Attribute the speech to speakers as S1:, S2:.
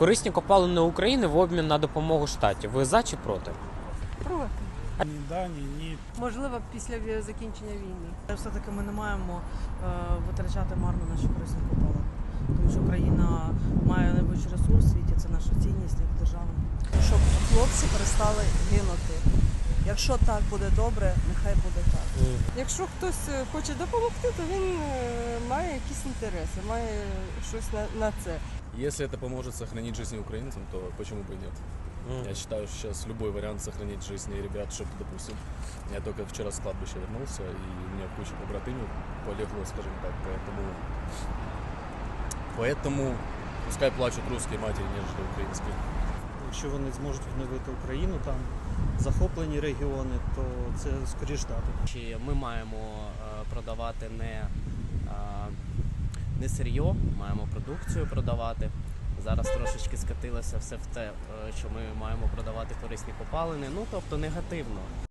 S1: Корисні копалини України в обмін на допомогу штатів. Ви за чи проти?
S2: Проти.
S3: Ні да, ні.
S2: Можливо, після закінчення війни.
S4: Все-таки ми не маємо витрачати марно наші корисні копалини. Тому що Україна має найбільший ресурс у світі, це наша цінність як держава.
S5: Щоб хлопці перестали гинути. Якщо так буде добре, нехай буде так.
S2: Якщо хтось хоче допомогти, то він має якісь інтереси, має щось на це.
S6: Если это поможет сохранить жизни украинцам, то почему бы и нет? Я считаю, что сейчас любой вариант сохранить жизни ребят, чтобы, допустим, я только вчера с кладбища вернулся, и у меня куча побратимов полегло, скажем так, поэтому пускай плачут русские матери, нежели украинские.
S3: Якщо вони зможуть відновити Україну, там захоплені регіони, то це скоріш дати.
S7: Чи ми маємо продавати не сир'йо, маємо продукцію продавати. Зараз трошечки скатилося все в те, що ми маємо продавати корисні копалини, тобто негативно.